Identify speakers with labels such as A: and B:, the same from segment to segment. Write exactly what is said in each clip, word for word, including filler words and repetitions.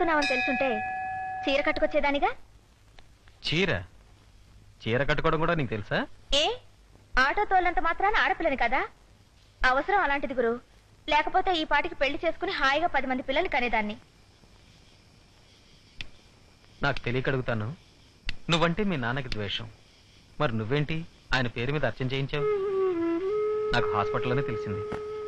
A: వస్తున్నావని తెలుసుంటే చీర కట్టుకొచ్చేదానిగా.
B: చీర చీర కట్టుకోవడం కూడా నీకు తెలుసా?
A: ఏ ఆటో తోలంత మాత్రాన ఆడపిల్లని కదా. అవసరం అలాంటిది గురు. లేకపోతే ఈ పాటికి పెళ్లి చేసుకుని హాయిగా పది మంది పిల్లల్ని కనేదాన్ని.
B: నాకు తెలియక అడుగుతాను, నువ్వంటే మీ నాన్నకి ద్వేషం, మరి నువ్వేంటి ఆయన పేరు మీద అర్చన చేయించావు? నాకు హాస్పిటల్లోనే తెలిసింది.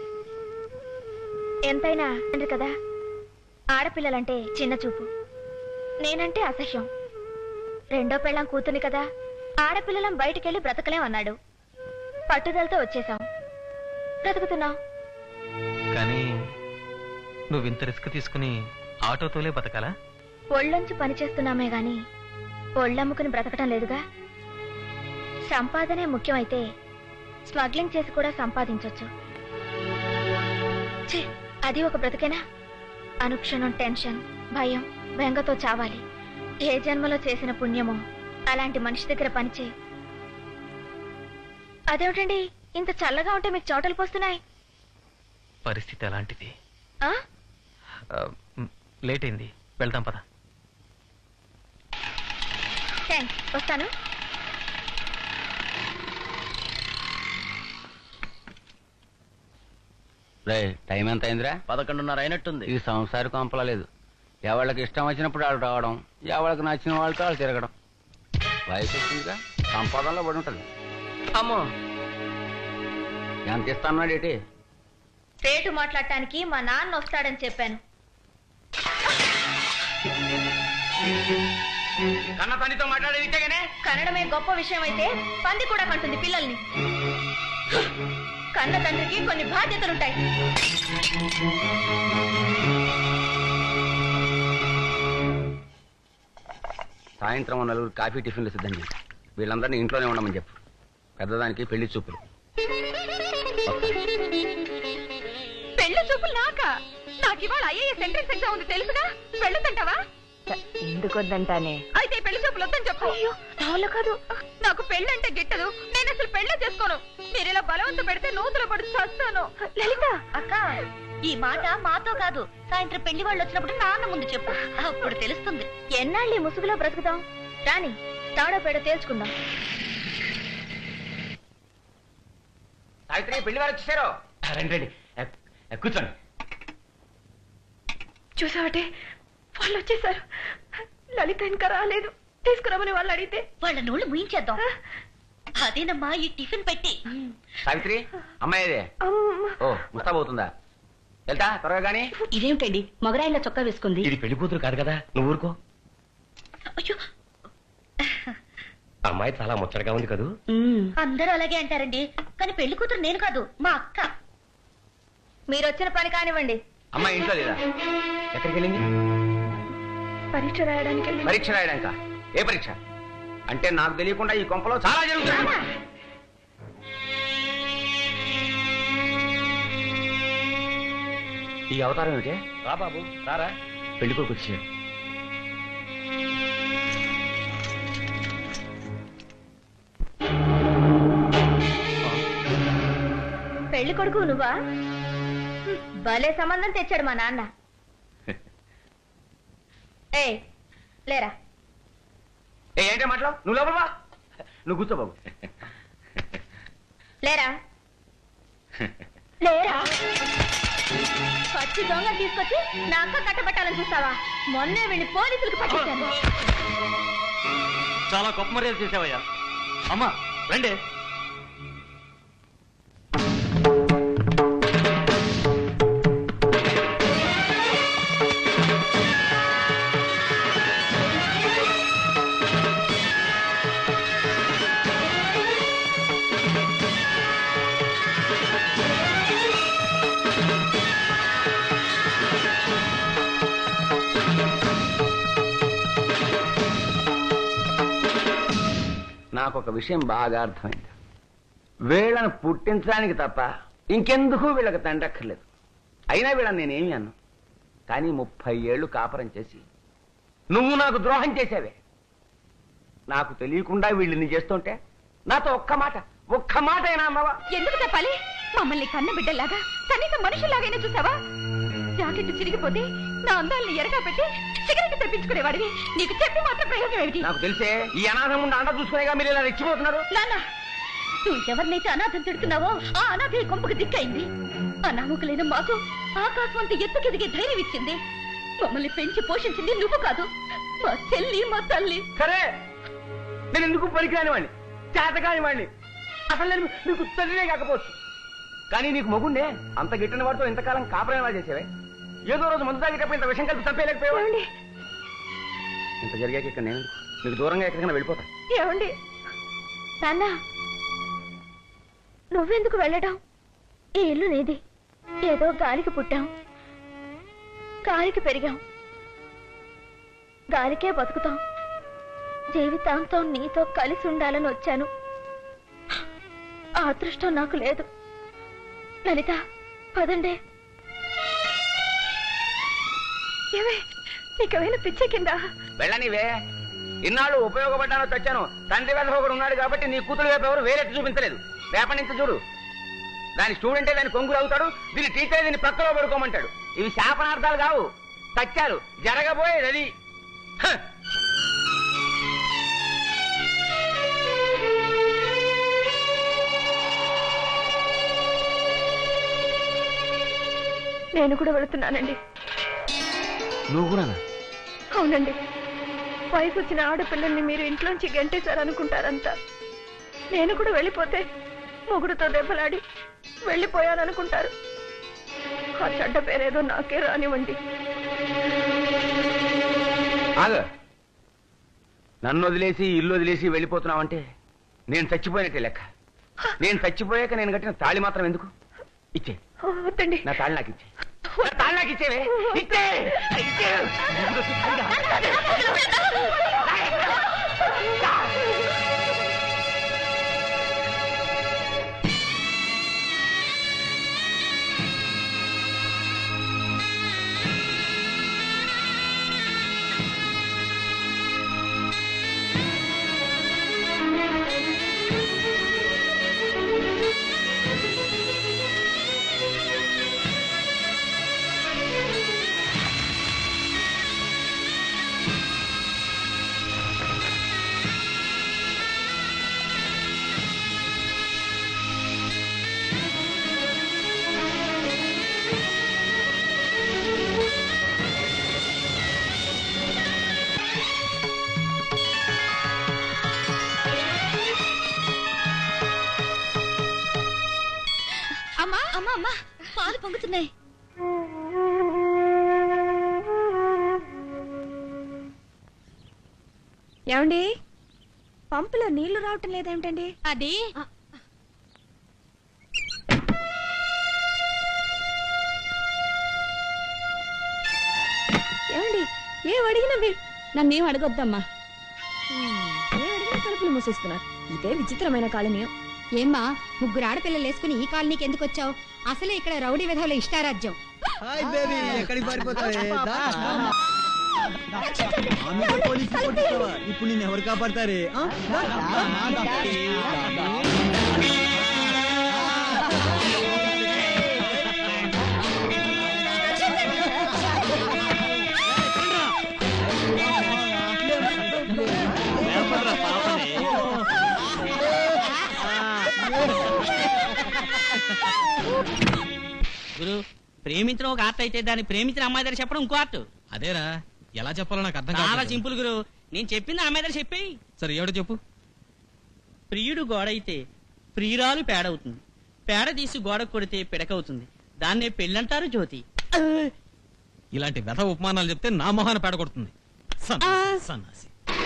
A: ఎంతైనా అండి కదా, ఆడపిల్లలంటే చిన్న చూపు, నేనంటే అసహ్యం. రెండో పెళ్ళాం కూతుని కదా, ఆడపిల్లలం బయటికెళ్ళి బ్రతకలేం అన్నాడు. పట్టుదలతో వచ్చేసాం, బ్రతుకుతున్నాం.
B: కానీ నువ్వు ఇంత రిస్క్ తీసుకుని ఆటోతోలే బతకాలా?
A: ఒళ్ళొంచి పనిచేస్తున్నామే గాని ఒళ్ళమ్ముకుని బ్రతకటం లేదుగా. సంపాదనే ముఖ్యమైతే స్మగ్లింగ్ చేసి కూడా సంపాదించొచ్చు. ఛీ, అది ఒక బ్రతికేనా? అనుక్షణం టెన్షన్, భయం, బెంగతో చావాలి. ఏ జన్మలో చేసిన పుణ్యమో అలాంటి మనిషి దగ్గర పనిచేయి. అదేమిటండి ఇంత చల్లగా ఉంటే మీకు చోటలు పోస్తున్నాయి?
B: పరిస్థితి అలాంటిది.
A: ఆ?
B: లేట్ అయింది, వెళ్దాం పద.
A: థ్యాంక్స్, వస్తాను.
C: టైం ఎంత అయిందిరా?
D: పదకొండున్నర అయినట్టుంది.
C: ఇది సంసారి కొంపలేదు. ఎవరికి ఇష్టం వచ్చినప్పుడు వాళ్ళు రావడం, ఎవరికి నచ్చిన వాళ్ళతో వాళ్ళు తిరగడం. వయసు వచ్చిందిగా, సంపాదనలో పడి ఉంటుంది.
D: అమ్మో,
C: ఎంత ఇస్తాన్నాడు ఏంటి?
A: రేటు మాట్లాడటానికి మా నాన్న వస్తాడని చెప్పాను.
C: కన్న తల్లితో మాట్లాడేది
A: కన్నడమే గొప్ప విషయం అయితే పంది కూడా కంటుంది పిల్లల్ని. కన్న తండ్రికి కొన్ని బాధ్యతలుంటాయి.
C: సాయంత్రం నలుగురు కాఫీ టిఫిన్లు సిద్ధం చేసి వీళ్ళందరినీ ఇంట్లోనే ఉండమని చెప్పు. పెద్దదానికి పెళ్లి చూపులు.
A: పెళ్లి చూపులు నాకా? నాకు ఇవాళ ఐఏఎస్ ఎంట్రన్స్ ఎగ్జామ్ ఉంది తెలుసుగా. వెళ్ళొద్దంటావా?
E: ఎందుకు వద్దంటానే?
A: అయితే పెళ్లి చూపులు వద్దని చెప్పు. నాలో కాదు, నాకు పెళ్లి అంటే గిట్టదు. నేను అసలు పెళ్లి చేసుకోను. మీరు ఇలా బలవంత పెడితే నూతులు పడి చస్తాను. లలిత అక్క, ఈ మాట మాతో కాదు, సాయంత్రం పెళ్లి వాళ్ళు వచ్చినప్పుడు నాన్న ముందు చెప్పు, అప్పుడు తెలుస్తుంది. ఎన్నాళ్ళు ఈ ముసుగులో బ్రతుకుతాం? రాని తాడో పేడో తేల్చుకుందాం.
C: సావిత్రి, పెళ్లి వారు వచ్చేసారు. రండి రండి, కూర్చోండి.
E: చూసావటే, వాళ్ళు వచ్చేసారు. లలిత ఇంకా రాలేదు. తీసుకురామని వాళ్ళు అడిగితే
A: వాళ్ళ నోళ్ళు ముయించేద్దాం. అదేనమ్మా ఈ టిఫిన్ పెట్టి.
C: సావిత్రి, అమ్మాయిదే. ఓ, ముస్తాబవుతుందా? వెళ్తా త్వరగా. గానీ
E: ఇదేమిటండి మొగరాయిలో చొక్కా వేసుకుంది?
C: ఇది పెళ్లి కూతురు కాదు కదా, నువ్వు ఊరుకో.
A: అయ్యో,
C: అమ్మాయి చాలా ముచ్చటగా ఉంది కదూ.
A: అందరూ అలాగే అంటారండి, కానీ పెళ్లి కూతురు నేను కాదు, మా అక్క. మీరు వచ్చిన పని కానివ్వండి.
C: అమ్మాయి ఇంట్లో లేదా? ఎక్కడికి వెళ్ళింది?
E: పరీక్ష రాయడానికి.
C: పరీక్ష రాయడానిక? ఏ పరీక్ష? అంటే నాకు తెలియకుండా ఈ కొంపలో చాలా జరుగుతుంది. ఈ అవతారం ఏమిటి?
D: రా బాబు, రారా.
C: పెళ్లి కొడుకు వచ్చాడు.
A: పెళ్లి కొడుకు నువ్వా? భలే సంబంధం తెచ్చాడు మా నాన్న. ఏ లేరా?
C: ఏ ఏంటే మాట్లాడు? నువ్వు లోపల వా. నువ్వు కూర్చో బాబు.
A: లేరా లేరా? పచ్చి దొంగ తీసుకొచ్చి నా అక్క కట్టబెట్టాలని చూస్తావా? మొన్నే వీడిని పోలీసులకు పట్టించాను.
D: చాలా గొప్ప మర్యాద చేసావయ్యా. అమ్మా రండి.
C: నాకు ఒక విషయం బాగా అర్థమైంది. వీళ్ళని పుట్టించడానికి తప్ప ఇంకెందుకు వీళ్ళకి తండ్రక్కర్లేదు. అయినా వీళ్ళని నేనేమి అన్నాను. కానీ ముప్పై ఏళ్ళు కాపురం చేసి నువ్వు నాకు ద్రోహం చేసావే. నాకు తెలియకుండా వీళ్ళని చేస్తుంటే నాతో ఒక్క మాట ఒక్క మాట అయినా అన్నావా?
A: ఎందుకు చెప్పాలి? మమ్మల్ని కన్న బిడ్డలాగా కనీసం మనుషుల్లాగైనా చూసావా?
E: జాకెట్ చిరిగిపోతే నా అందాల్ని ఎరగా పెట్టి సిగరెట్ తెప్పించుకునేవాడివి. నీకు చెప్పి మాత్రం ప్రయోజనం ఏమిటి?
C: నాకు తెలిసే ఈ అనాథం ఉండి అండ చూసుకునేగా మీరు ఇలా రెచ్చిపోతున్నారు.
E: నాన్న, నువ్వు ఎవరినైతే అనాథం తిడుతున్నావో ఆ అనాథ ఈ కొంపకు దిక్కైంది. అనామకులైన మాకు ఆకాశం అంత ఎత్తుకెదిగే ధైర్యం ఇచ్చింది. మమ్మల్ని పెంచి పోషించింది నువ్వు కాదు, మా చెల్లి, మా తల్లి.
C: సరే, నేను ఎందుకు పనికిరాని వాడిని, చేతకాని వాడిని, అసలు నేను నీకు తల్లినే కాకపోవచ్చు. కానీ నీకు మొగుండే అంత గిట్టిన వాడితో ఇంతకాలం కాపురం ఎలా చేసేవే? ఏదో రోజు మందు తాగేటప్పుడు ఇంత విషయం కలిపి చంపేయలేకపోయావా? ఇంత జరిగాక ఇక్కడ నేను నీకు దూరంగా ఎక్కడికైనా వెళ్ళిపోతా.
E: ఏమండి నాన్న, నువ్వెందుకు వెళ్ళడం? ఈ ఇల్లు నీది. ఏదో గాలికి పుట్టాం, గాలికి పెరిగాం, గాలికే బతుకుతాం. జీవితాంతం నీతో కలిసి ఉండాలని వచ్చాను. ఆ అదృష్టం నాకు లేదు. లలిత, పదండి. ఏమే, నీకేమైనా పిచ్చే కింద?
C: వెళ్ళనివే, ఇన్నాళ్ళు ఉపయోగపడ్డానో తెచ్చాను. తండ్రి వేద ఒకడు ఉన్నాడు కాబట్టి నీ కూతురు వైపు ఎవరు వేరెత్తి చూపించలేదు. రేపటి నుంచి చూడు, దాని స్టూడెంటే దాని కొంగులు అవుతాడు, దీని టీచర్ దీన్ని ప్రక్కలో పడుకోమంటాడు. ఇవి శాపనార్థాలు కావు, సత్యాలు. జరగబోయేది అది.
E: నేను కూడా వెళుతున్నానండి.
C: నువ్వు కూడా?
E: అవునండి. వయసు వచ్చిన ఆడపిల్లల్ని మీరు ఇంట్లోంచి గంటేశారనుకుంటారంతా. నేను కూడా వెళ్ళిపోతే మొగుడుతో దెబ్బలాడి వెళ్ళిపోయాననుకుంటారు. ఆ చెడ్డ పేరేదో నాకే రానివ్వండి.
C: ఆగు, నన్ను వదిలేసి ఇల్లు వదిలేసి వెళ్ళిపోతున్నావంటే నేను చచ్చిపోయినట్టే లెక్క. నేను చచ్చిపోయాక నేను కట్టిన తాళి మాత్రం ఎందుకు? ఇచ్చే
E: వద్దండి.
C: నా తాళి నాకు ఇచ్చే. నా తాళి నాకు ఇచ్చేవే. ఇచ్చే ఇచ్చే.
A: అమ్మా అమ్మా అమ్మా, పాలు పొంగుతున్నాయి.
E: ఏమండి, పంపులో నీళ్లు రావటం లేదేమిటండి?
A: అది
E: ఏమండి, ఏం అడిగినా మీరు
A: నన్నేం అడగొద్దమ్మా.
E: ఏం అడిగినా తలుపులు మూసేస్తున్నారు. ఇదే విచిత్రమైన కాలనీయం.
A: ఏమ్మా, ముగ్గురు ఆడపిల్లలు వేసుకుని ఈ కాలనీకి ఎందుకు వచ్చావు? అసలే ఇక్కడ రౌడీ విధవుల ఇష్టారాజ్యం.
F: హాయ్ బేబీ, ఎక్కడికి పారిపోతావే? దా. ఆమెతో పోలీసు కొట్టిస్తావా? ఇప్పుడు నేను ఎవరు కాపాడతారే? ఆ? దా.
D: గురు, ప్రేమించడం ఒక ఆర్ట్ అయితే దాన్ని ప్రేమించిన అమ్మాయి దగ్గర చెప్పడం ఇంకో ఆర్ట్.
B: అదేరా, ఎలా చెప్పాలో నాకు అర్థం
D: చాలా
B: కాదు.
D: సింపుల్ గురు. నేను చెప్పింది అమ్మాయి దగ్గర చెప్పేయి.
B: సరే, ఎవడో చెప్పు.
D: ప్రియుడు గోడ అయితే ప్రియురాలు పేడవుతుంది. పేడ తీసి గోడ కొడితే పిడకవుతుంది. దాన్నే పెళ్ళంటారు జ్యోతి.
B: ఇలాంటి వ్యథ ఉపమానాలు చెప్తే నా మొహాన పేడ కొడుతుంది. సన్నాసి, సన్నాసి.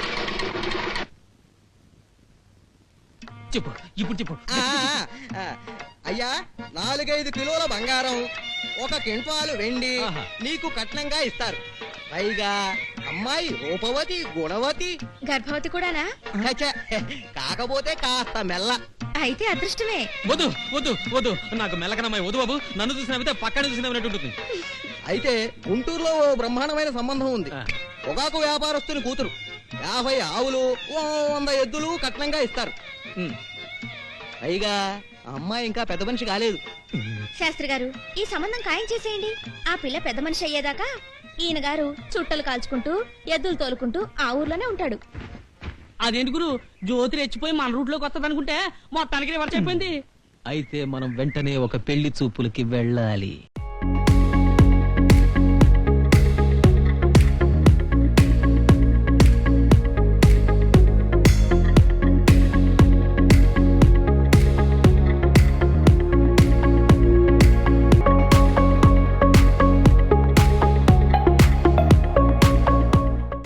B: చెప్పు, ఇప్పుడు చెప్పు.
F: ఆ, ఆ, అయ్యా, నాలుగైదు కిలోల బంగారం, ఒక క్వింటాలు వెండి
B: ఆహా.
F: నీకు కట్నంగా ఇస్తారు. పైగా అమ్మాయి రూపవతి, గుణవతి,
A: గర్భవతి కూడానా?
F: ఛ, కాకపోతే కాస్త మెల్ల.
A: అయితే అదృష్టమే.
B: వద్దు వద్దు వద్దు, నాకు మెల్లకనమ్మాయి వద్దు బాబు. నన్ను చూసినవితే పక్కన చూసినట్టు ఉంటుంది.
F: అయితే గుంటూరులో ఓ బ్రహ్మాండమైన సంబంధం ఉంది.
B: ఆ.
F: పొగాకు వ్యాపారస్తుని కూతురు. యాభై ఆవులు, ఓ వంద ఎద్దులు కట్నంగా ఇస్తారు.
B: ఉమ్.
F: పైగా ఆ అమ్మాయి ఇంకా పెద్ద మనిషి కాలేదు.
E: శాస్త్రి గారు ఈ సంబంధం ఖాయం చేసేయండి. ఆ పిల్ల పెద్ద మనిషి అయ్యేదాకా ఈయన గారు చుట్టలు కాల్చుకుంటూ ఎద్దులు తోలుకుంటూ ఆ ఊర్లోనే ఉంటాడు.
D: అదేంటి గురు, జ్యోతి రెచ్చిపోయి మన రూట్ లోకి వస్తుంది అనుకుంటే మొత్తానికి రివర్స్ అయిపోయింది.
B: అయితే మనం వెంటనే ఒక పెళ్లి చూపులకి వెళ్ళాలి.